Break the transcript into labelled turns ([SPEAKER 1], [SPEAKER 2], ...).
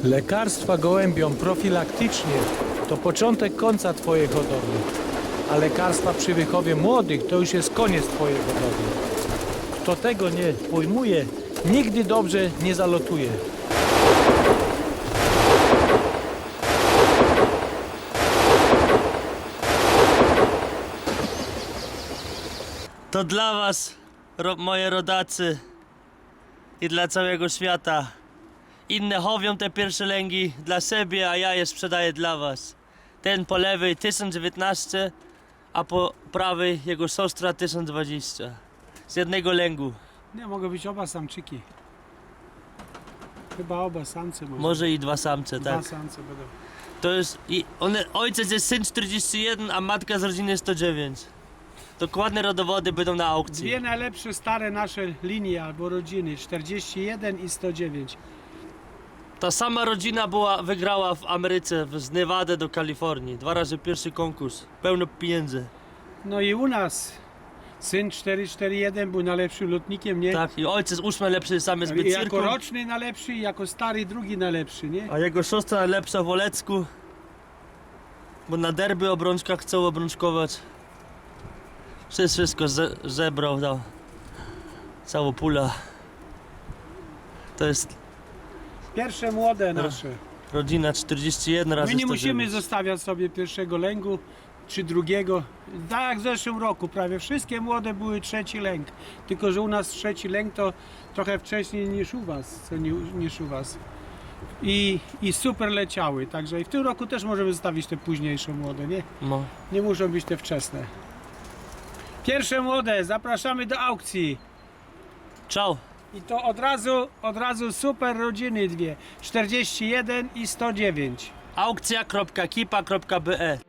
[SPEAKER 1] Lekarstwa gołębiom profilaktycznie to początek końca twojej hodowli, a lekarstwa przy wychowie młodych to już jest koniec twojej hodowli. Kto tego nie pojmuje, nigdy dobrze nie zalotuje.
[SPEAKER 2] To dla was, moje rodacy i dla całego świata. Inne chowią te pierwsze lęgi dla siebie, a ja je sprzedaję dla was. Ten po lewej 1019, a po prawej jego siostra 1020. Z jednego lęgu.
[SPEAKER 3] Nie, mogą być oba samczyki. Chyba oba samce
[SPEAKER 2] Może i dwa samce,
[SPEAKER 3] Dwa
[SPEAKER 2] tak.
[SPEAKER 3] samce będą.
[SPEAKER 2] To jest ojciec jest syn 41, a matka z rodziny 109. Dokładne rodowody będą na aukcji.
[SPEAKER 3] Dwie najlepsze stare nasze linie albo rodziny, 41 i 109.
[SPEAKER 2] Ta sama rodzina wygrała w Ameryce, z Nevady do Kalifornii. 2 razy pierwszy konkurs. Pełno pieniędzy.
[SPEAKER 3] No i u nas syn 441 był najlepszym lotnikiem, nie?
[SPEAKER 2] Tak, i ojciec 8 najlepszy samiec
[SPEAKER 3] I jako
[SPEAKER 2] bycyrku.
[SPEAKER 3] roczny najlepszy i jako stary drugi najlepszy, nie?
[SPEAKER 2] A jego siostra najlepsza w Olecku. Bo na derby obrączkach chcą obrączkować. Wszystko zebrał tam. Całą pula. To jest
[SPEAKER 3] Pierwsze młode nasze.
[SPEAKER 2] rodzina 41 razy
[SPEAKER 3] My nie
[SPEAKER 2] 109.
[SPEAKER 3] musimy zostawiać sobie pierwszego lęgu czy drugiego. Tak jak w zeszłym roku prawie wszystkie młode były trzeci lęk. Tylko że u nas trzeci lęk to trochę wcześniej niż u was, niż u was. I super leciały, także i w tym roku też możemy zostawić te późniejsze młode, nie?
[SPEAKER 2] No.
[SPEAKER 3] Nie muszą być te wczesne. Pierwsze młode, zapraszamy do aukcji.
[SPEAKER 2] Ciao.
[SPEAKER 3] I to od razu super rodziny dwie. 41 i 109.
[SPEAKER 2] Aukcja.kipa.be